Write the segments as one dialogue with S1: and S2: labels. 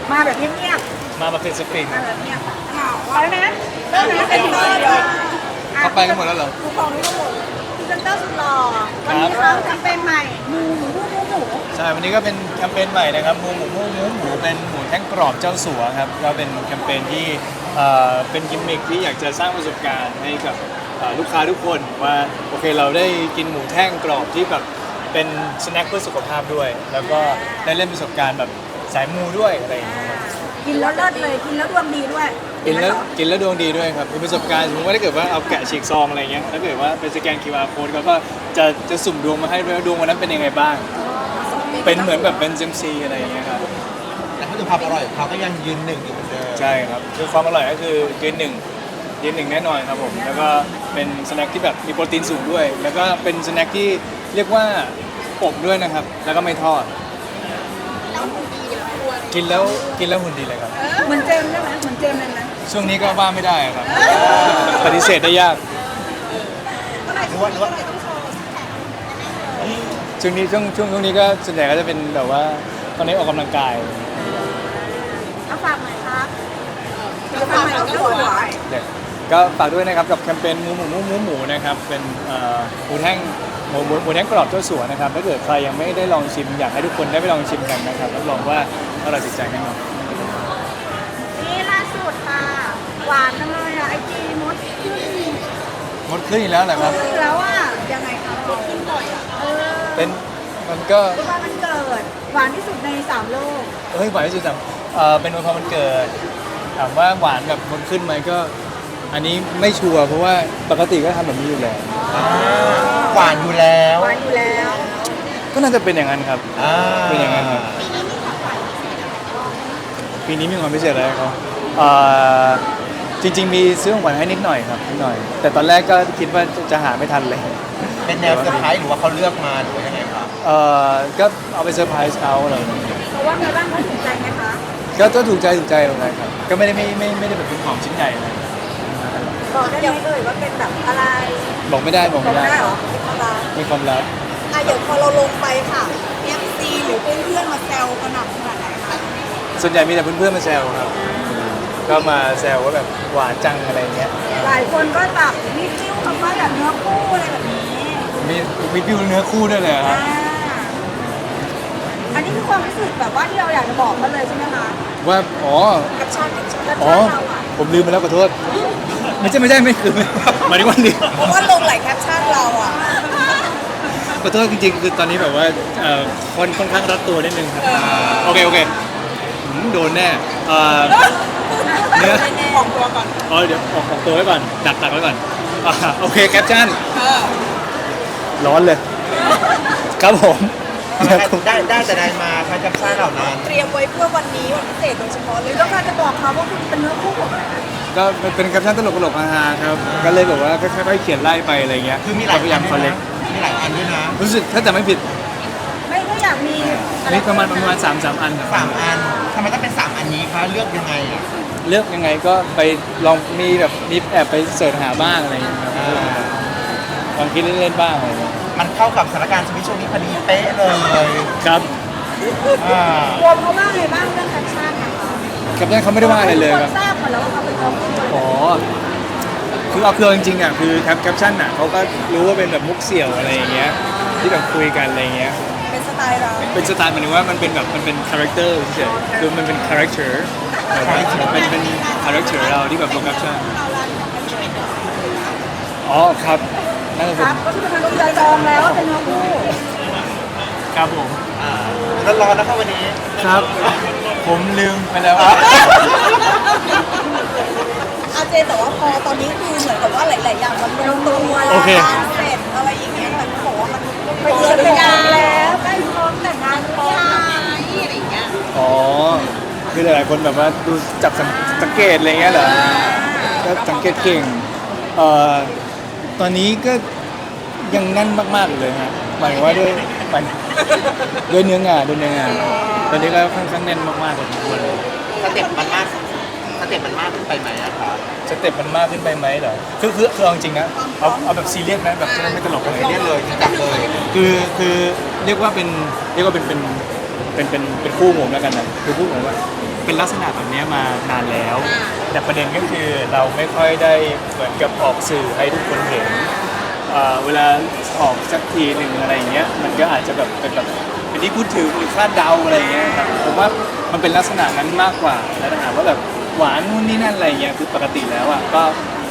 S1: มาแบบเงียบ
S2: มาเป็นสปริง
S1: ๆมาแบบเงียบไปนะเริ่มนะเป็นเบอร์เลย
S2: เข้าไปกันหมดแล้วเหรอ
S1: ทุกของทุกคนพรีเซนเตอร์สุดหล่อวันนี้เขาแคมเปญใหม่หมูหมูหมูหมู
S2: ใช่ วันนี้ก็เป็นแคมเปญใหม่นะครับหมูเป็นหมูแท่งกรอบเจ้าสัวครับก็เป็นแคมเปญที่เป็นกิมมิคที่อยากจะสร้างประสบการณ์ให้กับลูกค้าทุกคนว่าโอเคเราได้กินหมูแท่งกรอบที่แบบเป็นสแน็คเพื่อสุขภาพด้วย แล้วก็ได้เล่นประสบการณ์แบบสายมูด้วยอะไรอย่างเงี้ยครับ
S1: กินแล้วเลิศเลยกินแล้วดวงดีด้วย
S2: กินแล้วดวงดีด้วยครับเป็นประสบการณ์สมมติว่าถ้าเกิดว่าเอาแกะฉีกซองอะไรเงี้ยถ้าเกิดว่าเป็นสแกน QR code เขาก็จะสุ่มดวงมาให้ด้วยว่าดวงวันนั้นเป็นยังไงบ้าง เป็นเหมือนแบบเป็นเซมซีอะไรอย่างเงี้ยครับ
S3: แต่เขาดูความอร่อยของเขาก็ยังยืนหนึ่งอยู่เหมือนเดิม
S2: ใช่ครับคือความอร่อยก็คือยืนหนึ่งแน่นอนครับผมแล้วก็เป็นสแน็คที่แบบมีโปรตีนสูงด้วย แล้วก็เป็นสแน็คที่เรียกว่าอบด้วยนะครับแล้วก็ไม่ทอดกินแล้วหุ่นดีเลยครับ
S1: เหมือนเจมส์ใช่ไหมเหมือนเจมส์เลยไหม
S2: ช่วงนี้ก็ว่าไม่ได้ครับปฏิเสธได้ยาก
S3: หรือว่า
S2: ช่วงนี้ก็ส่วนใหญ่ก็จะเป็นแบบว่าตอนนี้ออกกำลังกาย
S1: เอาฝากหน่อยครับฝากหน่อยเอาสวย
S2: เด็กก็ฝากด้วยนะครับกับแคมเปญหมูนะครับเป็นหมูแท่งหมูแท่งกรอบเจ้าสัวนะครับถ้าเกิดใครยังไม่ได้ลองชิมอยากให้ทุกคนได้ไปลองชิมกันนะครับรับรองว่าอร่อยติดใจแน่นอน
S1: นี่ล่าสุดค่ะหวานจังเลยอ่ะไอจีมดขึ้น
S2: หมดขึ้นอีกแล้วเหรอครับ
S1: แล้วอ่ะยังไงคะมดขึ้นบ่อยอ่ะ
S2: เป็นมันก็
S1: เพราะว่ามันเกิดหวานที่สุดใน3โลก
S2: เฮ้ยหวานที่สุดสเป็นวันพอมันเกิดถามว่าหวานแบบมันขึ้นไหมก็ อันนี้ไม่ชัวร์เพราะว่าปกติก็ทำแบบนี้อยู่แล้ว
S3: หวานอยู่แล้ว
S1: หวานอยู่แล้ว
S2: ก็น่าจะเป็นอย่างนั้นครับ เป็นอย่างนั้นครับ ปีนี้มีความพิเศษอะไรเขาจริงๆมีซื้อของขวัญให้นิดหน่อยครับนิดหน่อย แต่ตอนแรกก็คิดว่าจะหาไม่ทันเลย
S3: เป็นแนวเซอร์ไพรส์หรือว่าเขาเลือกมาหรือว่ายังไงครับ
S2: ก็เอาไปเซอร์ไพรส์เขาอะไรอย่างเงี้ย
S1: เพราะว่าไงบ้างเขาถูกใจไหมคะ
S2: ก็ถูกใจเลยครับ ก็ไม่ได้แบบเป็นของชิ้นใหญ่อะไร
S1: บอกได้ไหมว่าเป็นแบบอะไร
S2: บอกไม่ได้
S1: บอกได้เหรอเป็นอะไร
S2: มีความลับ
S1: เดี๋ยวพอเราลงไปค่ะ FC หรือเพื่อนๆมาแซวกระหน่ำขนาดไหนคะ
S2: ส่วนใหญ่มีแต่เพื่อนๆมาแซวครับ ก็มาแซวว่าแบบหวานจังอะไรเงี้ย
S1: หลายคนก็แบบมีฟิวคำว่าแบบเนื้อคู่อะไรแบบนี้
S2: มีวิวเนื้อคู่ด้วยเลยครับ
S1: อันนี้คือความรู้สึกแบบว่าที่เราอยากจะบอกเขาเลยใช่ไหมคะ
S2: ว่า
S1: กับชาติเราอ่ะ
S2: ผมลืมไปแล้วขอโทษ ไม่คือหมายถึงว่าลืม
S1: เพราะว่าลงหลายแคปชั่นเราอ่ะ
S2: ขอโทษจริงๆคือตอนนี้แบบว่าค่อนข้างรัดตัวนิดนึงครับโอเคโดนแน่เนื้อ
S1: ของตัวก่อน
S2: เดี๋ยวออกตัวไว้ก่อนดักไว้ก่อนโอเคแคปชั่นร้อนเลย ครับผม
S3: ได้แต่ได้มาพระจับซ่าเหล่านั้น
S1: เตรียมไว้เพื่อวันนี้วันพิเศษโดยเฉพาะเลยต้องการจะบอกเขาว่าคุณเป็นเนื้อคู่ของเรา
S2: ก็เป็นแคปชั่นตลกๆฮาๆครับก็เลยแบบว่าค่อยๆเขียนไล่ไปอะไรเงี้ย
S3: คือมีหลาย
S2: พยายามคอลเลก
S3: มีหลายอันด้วยนะ
S2: รู้สึกถ้าจะไม่ผิด
S1: ไม่ก็อยากมี
S2: มีประมาณ3 อันครับ
S3: 3 อันทำไมต้องเป็น3 อันนี้คะเลือกยังไงอ่ะ
S2: เลือกยังไงก็ไปลองมีแอบไปเสิร์ชหาบ้างอะไรอย่างเงี้ยครับลองคิดเล่นๆบ้างอะไรเงี้ย
S3: มันเข้ากับสถานการณ์ชีวิตช่วงนี้พอดีเป๊ะเลย
S2: ครับ
S1: รวมเขาว่าไงบ้างเรื่องแคปชั่นนะคะ
S2: กับนั้นเขาไม่ได้ว่าอะไรเลยครับ
S1: ทราบหมดแล้วว่าเขาเป็นเนื้อคู่
S2: อ๋อคือเอาจริงๆอ่ะคือแคปชั่นอ่ะเขาก็รู้ว่าเป็นแบบมุกเสี่ยวอะไรอย่างเงี้ยที่แบบคุยกันอะไรอย่างเงี้ย
S1: เป็นสไตล์เรา
S2: เป็นสไตล์หมายถึงว่ามันเป็นแบบมันเป็นคาแรคเตอร์เฉยๆคือมันเป็นคาแรคเตอร์เป็นคาแรคเตอร์เราที่แบบลงแคปชั่นอ๋อครับน่าจะ
S1: ค
S2: เป็น
S1: รับก็คือทางใจจองแล้วว่าเป็นเนื้อคู่
S2: ครับผม
S3: ร้อนๆนะครับวันนี้
S2: ครับ ผมลืมไปแล้ว
S1: อาเจแต่ว่าพอตอนนี้คือเหมือนกับว่าหลายๆอย่างมันลงตัว
S2: โอเค
S1: เสร็จอะไรอย่างเงี้ยแต่เขาบอกว่ามันไปเจอแต่งงานแล้วใกล้พร้อมแต่งงานพร้อมอะไรอย่างเงี้ย
S2: อ๋อคือหลายๆคนแบบว่าดูจับสังเกตอะไรเงี้ยเหรอก็สังเกตเก่งตอนนี้ก็ยังแน่นมากๆเลยฮะหมายถึงว่าด้วยเนื้องานตอนนี้ก็ค่อนข้างแน่นมากๆเลยทุกคนเลย
S3: สเต็ปมันมากขึ้นไปไหมอะครับ
S2: สเต็ปมันมากขึ้นไปไหมเหรอคือเอาจริงๆนะเอาแบบซีเรียสนะแบบไม่ตลกอะไร
S3: เรียกเลยจับเลย
S2: คือเรียกว่าเป็นคู่ผมแล้วกันนะคือคู่ผมว่าเป็นลักษณะแบบนี้มานานแล้ว แต่ประเด็นก็คือเราไม่ค่อยได้เหมือนกับออกสื่อให้ทุกคนเห็นเวลาออกสักทีหนึ่งอะไรอย่างเงี้ยมันก็อาจจะแบบเป็นแบบเป็นที่พูดถึงหรือคาดเดาอะไรอย่างเงี้ยครับผมว่ามันเป็นลักษณะนั้นมากกว่าแล้วถามว่าแบบหวานนู่นนี่นั่นอะไรเงี้ยคือปกติแล้วอ่ะก็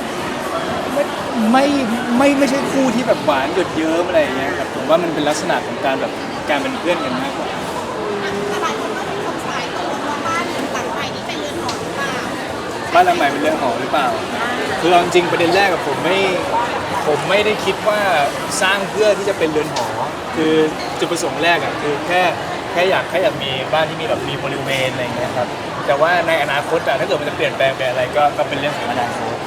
S2: ไม่ใช่คู่ที่แบบหวานหยดเยิ้มอะไรอย่างเงี้ยครับผมว่ามันเป็นลักษณะของการแบบการเป็นเพื่อนกันมากกว่า
S1: แต่หลายคนก็เป็นสงสัยตกลงว่าบ้านหลังใหม่นี่เป็นเรือนหอหรือเปล่า
S2: บ้านหลังใหม่เป็นเรื่องหอหรือเปล่าคือเอาจริงๆประเด็นแรกกับผมไม่ได้คิดว่าสร้างเพื่อที่จะเป็นเรือนหอคือจุดประสงค์แรกอ่ะคือแค่อยากมีบ้านที่มีแบบมีบริเวณอะไรอย่างเงี้ยครับแต่ว่าในอนาคตอะถ้าเกิดมันจะเปลี่ยนแปลงไปอะไรก็เป็นเรื่องของอนาคต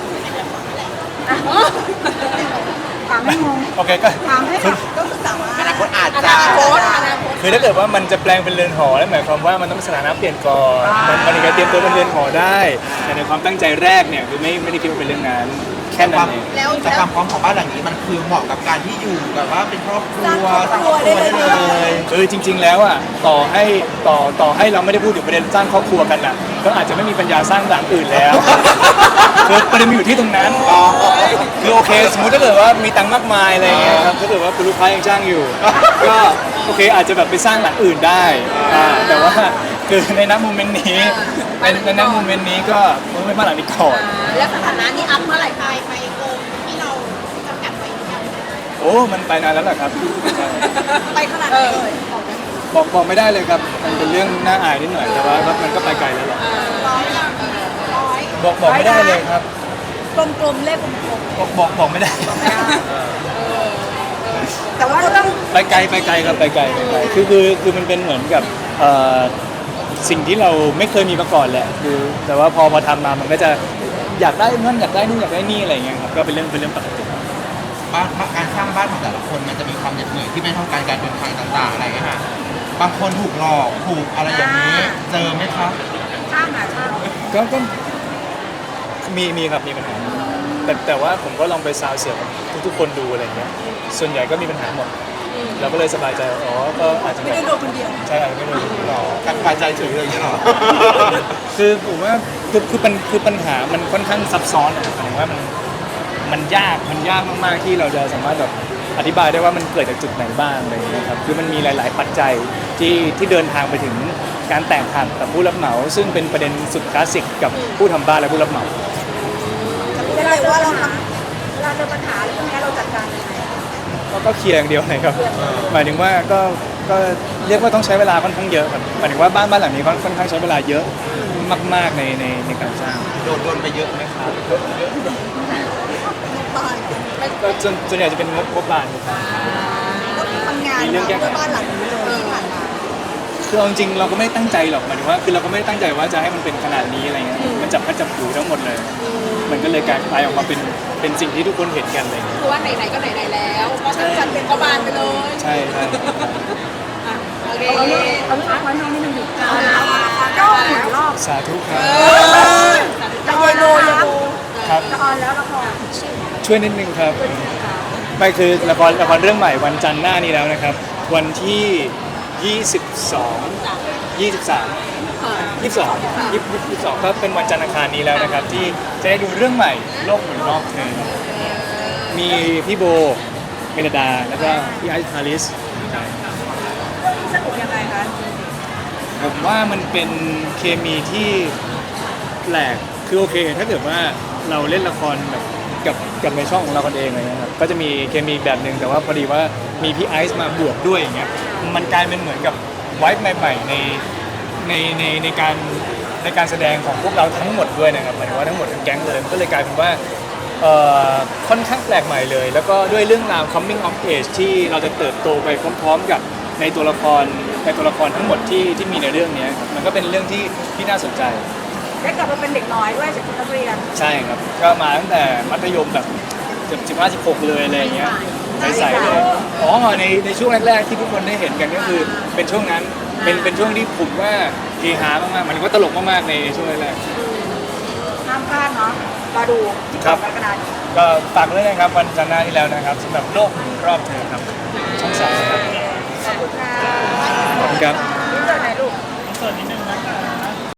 S1: ถามให้งง
S2: โอเคก็
S1: ถามให้แบบก็สามารถ
S3: อนาคตอาจ
S1: อ
S3: จะ
S1: นาคต
S2: คือถ้าเกิดว่ามันจะแปลงเป็นเรือนหอนั่นหมายความว่ามันต้องสถานะเปลี่ยนก่อนมันถึงจะเตรียมตัวเป็นเรือนหอได้แต่ในความตั้งใจแรกเนี่ยคือไม่ได้คิดว่าเป็นเรื่องนั้นแค่นั้นเอง
S1: แล้ว
S3: แต่ความพร้อมของบ้านหลังนี้มันคือเหมาะกับการที่อยู่แบบว่าเป็นครอบครัว
S1: สร้างครอบครัวได้เลย
S2: จริง ๆ แล้วอ่ะต่อให้เราไม่ได้พูดถึงประเด็นสร้างครอบครัวกันอ่ะก็อาจจะไม่มีปัญญาสร้างหลังอื่นแล้ว คือประเด็นมันอยู่ที่ตรงนั้นคือโอเคสมมติถ้าเกิดว่ามีตังค์มากมายอะไรเงี้ยครับถ้าเกิดว่าคุณลูกค้ายังจ้างอยู่ ก็โอเคอาจจะแบบไปสร้างหลังอื่นได้แต่ว่าคือในณโมเมนต์นี้ในณโมเมนต์นี้ก็ไม่มาหลังนี้ก่อน
S1: แล้วสถานะนี้อัพเมื่อไหร่ไปเกินที่เราจำกัดไว้หรือยัง
S2: โอ้มันไปนานแล้วแหละครับ
S1: ไปขนาดไหนเลย
S2: บอกไม่ได้เลยครับมันเป็นเรื่องน่าอายนิดหน่อยแต่ว่ามันก็ไปไกลแล้วแหละ
S1: ร้อยยังร้อย
S2: บอกไม่ได้เลยครับ
S1: กลมๆเลขกลม
S2: บอกไม่ได้
S1: ๆแต่ว่าเรื่อง
S2: ไปไกลครับไปไกลคือมันเป็นเหมือนกับสิ่งที่เราไม่เคยมีมาก่อนแหละคือแต่ว่าพอทำมามันก็จะอยากได้นั่นอยากได้นู่นอยากได้นี่อะไรอย่างเงี้ยครับก็เป็นเรื่องปกติ
S3: บ้านการสร้างบ้านของแต่ละคนมันจะมีความเหน็ดเหนื่อยที่ไม่เท่ากันการเดินทางต่างๆอะไรอย่างเงี้ยค่ะบางคนถูกหลอกถูกอะไรอย่างนี้เจอไหมครับ
S1: ช่างอ่ะช่าง
S2: ก็มีครับมีปัญหาแต่ว่าผมก็ลองไปซาวเสียงกับทุกคนดูอะไรเงี้ยส่วนใหญ่ก็มีปัญหาหมดเราก็เลยสบายใจอ๋อก็อาจจะ
S1: ไม่ได้โดนคนเดียว
S2: ใช่อาจจะไม่โดนหลอก
S3: การสบายใจถึงเลยางนี้หรอ
S2: คือผมว่าคือปัญหามันค่อนข้างซับซ้อนอะหมายถึงว่ามันยากมากๆที่เราจะสามารถแบบอธิบายได้ว่ามันเกิดจากจุดไหนบ้างอะไรอย่างเงี้ยครับคือมันมีหลาย ๆ ปัจจัยที่เดินทางไปถึงการแตกหักกับผู้รับเหมา ซึ่งเป็นประเด็นสุดคลาสสิกกับผู้ทำบ้านและผู้รับเหมา
S1: เวลาเจอปัญหาเรื่องนี้เราจัดการยังไง
S2: ก็เคลียร์อย่างเดียวเลยครับหมายถึงว่าก็เรียกว่าต้องใช้เวลาค่อนข้างเยอะครับหมายถึงว่าบ้านหลังนี้ค่อนข้างใช้เวลาเยอะมากๆในการสร้าง
S3: โดนไปเยอะไหมครับ
S2: ก็ส่วนใหญ่จะเป็นงบบานครับ
S1: ก็ทำงานเพื่อบ้านหลังนี้เลยที่ผ่านมา
S2: คือเอาจริงๆเราก็ไม่ได้ตั้งใจหรอกหมายถึงว่าคือเราก็ไม่ได้ตั้งใจว่าจะให้มันเป็นขนาดนี้อะไรเงี้ยมันจับพัดจับผูทั้งหมดเลย มันก็เลยกลายออกมาเป็นสิ่งที่ทุกคนเห็นกันอะไรเงี้ย
S1: คือว่าไหนๆก็ไหนๆแล้วก็จะจัดเป็นกบาลไปเลย
S2: ใช่
S1: โอเคเอาเรื่องไว้ให้นิดนึงดิก็หมุนรอบ
S2: สาธุครับ
S1: จะเยโลเยโล
S2: ครับ
S1: จะออนแล้วละคร
S2: ช่วยนิดนึงครับไม่คือละครเรื่องใหม่วันจันทร์หน้านี้แล้วนะครับ วันที่ 22 22ก็เป็นวันจันทร์อังคารนี้แล้วนะครับ ที่จะได้ดูเรื่องใหม่โลกหมุนรอบเธอมีพี่โบเมลดาแล้วก็พี่ไอซ์พาริสใช่
S1: สนุกยังไงคะ
S2: ผมว่ามันเป็นเคมีที่แปลกคือโอเค ถ้าเกิดว่าเราเล่นละครแบบกับในช่องของเราคนเองอะไรเงี้ยครับก็จะมีเคมีแบบหนึ่งแต่ว่าพอดีว่ามีพี่ไอซ์มาบวกด้วยอย่างเงี้ยมันกลายเป็นเหมือนกับไวท์ใหม่ๆในการแสดงของพวกเราทั้งหมดด้วยนะครับหมายถึงว่าทั้งหมดทั้งแก๊งเลยก็เลยกลายเป็นว่าค่อนข้างแปลกใหม่เลย แล้วก็ด้วยเรื่องราว coming of age ที่เราจะเติบโตไปพร้อมๆกับในตัวละครทั้งหมดที่มีในเรื่องนี้ครับมันก็เป็นเรื่องที่น่าสนใจ
S1: ได้กลับมาเป็นเด็กน้อยด้วยจากนักเรียน
S2: ใช่ครับก็มาตั้งแต่มัธยมแบบเกือบ15-16เลยอะไรอย่างเงี้ยใสๆเลยอ๋อในช่วงแรกๆที่ทุกคนได้เห็นกันก็คือเป็นช่วงนั้นเป็นช่วงที่ผมว่าเฮฮามากๆมันก็ตลกมากๆในช่วงแรก
S1: ห้ามพลาดเนาะรอดูที่กรกฎาคม
S2: ๆก็ฝากเลยนะครับวันจันทร์หน้าที่แล้วนะครับสำหรับโลกหมุนรอบเธอครับช่อง 3ครับ
S1: ขอบคุณค่ะ
S2: ขอบคุณครับ
S1: นี่เจอไหนลูก
S2: สวัสดี